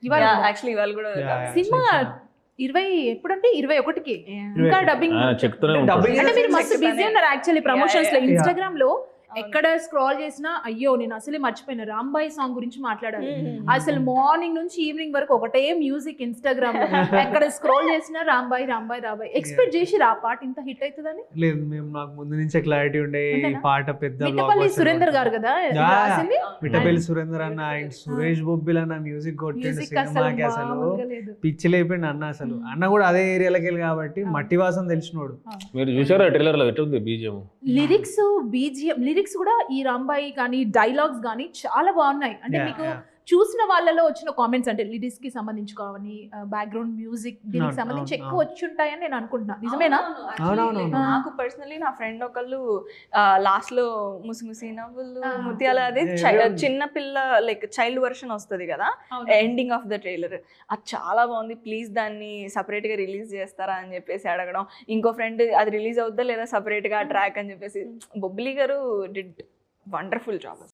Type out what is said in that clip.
ఇవాళ యాక్చువల్లీ ఇవాళ కూడా సినిమా 20 ఎప్పుడంటే 21కి ఇంకా డబ్బింగ్ చెప్తూనే డబ్బింగ్ అంటే మీరు మస్తు బిజీ ఉన్నారు యాక్చువల్లీ ప్రమోషన్స్ లో Yeah. ఇన్స్టాగ్రామ్ లో ఎక్కడ స్క్రాల్ చేసినా అయ్యో నేను అసలే మర్చిపోయినా రాంబాయి సాంగ్ గురించి మాట్లాడాలి అసలు మార్నింగ్ నుంచి ఈవినింగ్ వరకు ఒకటే మ్యూజిక్ ఇన్స్టాగ్రామ్ లో ఎక్కడ స్క్రోల్ చేసినా రాంబాయి రాంబాయి రాంబాయి ఎక్స్పెక్ట్ చేసి ఆ పాట ఇంత హిట్ అవుతుందని లేదు మేము నాకు ముందు నుంచే క్లారిటీ ఉండే ఈ అంతేనా? పాట పెద్ద మిట్టపల్లి సురేందర్ గారు కదా ఇది Yeah. రాసింది మిఠపల్లి సురేందర్ అన్న అండ్ సురేష్ బొబ్బిల్ అన్న మ్యూజిక్ కొట్టిండు మ్యూజిక్ అసలు సినిమాకి అసలు మామూలుగా లేదు. పిచ్చి లేపిండు అన్న అసలు అన్న కూడా అదే ఏరియాలోకి వెళ్ళి కాబట్టి మట్టి వాసన తెలిసినోడు. మీరు చూసారా ట్రైలర్ లో ఎట్లుంది బీజియం? లిరిక్స్ బీజిఎం లిరిక్స్ కూడా ఈ రాంబాయి కానీ డైలాగ్స్ కానీ చాలా బాగున్నాయి అంటే Yeah, మీకు yeah. చూసిన వాళ్ళలో వచ్చిన కామెంట్స్ అంటే లిరిక్స్ కి సంబంధించి కానీ బ్యాక్గ్రౌండ్ మ్యూజిక్ దీనికి అవును, సంబంధించి అవును, ఎక్కువ వచ్చి ఉంటాయని నేను అనుకుంటున్నా నిజమేనా అవునవును. నాకు పర్సనలీ నా ఫ్రెండ్ ఒకళ్ళు లాస్ట్ లో ముసి నవ్వులు ముత్యాల అది Yeah. చిన్న పిల్ల లైక్ చైల్డ్ వర్షన్ వస్తుంది కదా ఎండింగ్ ఆఫ్ ద ట్రైలర్, అది చాలా బాగుంది, ప్లీజ్ దాన్ని సపరేట్ గా రిలీజ్ చేస్తారా అని చెప్పేసి అడగడం. ఇంకో ఫ్రెండ్ అది రిలీజ్ అవుద్దా లేదా సపరేట్ గా ట్రాక్ అని చెప్పేసి. బొబ్బిలి గారు డిడ్ వండర్ఫుల్ జాబ్.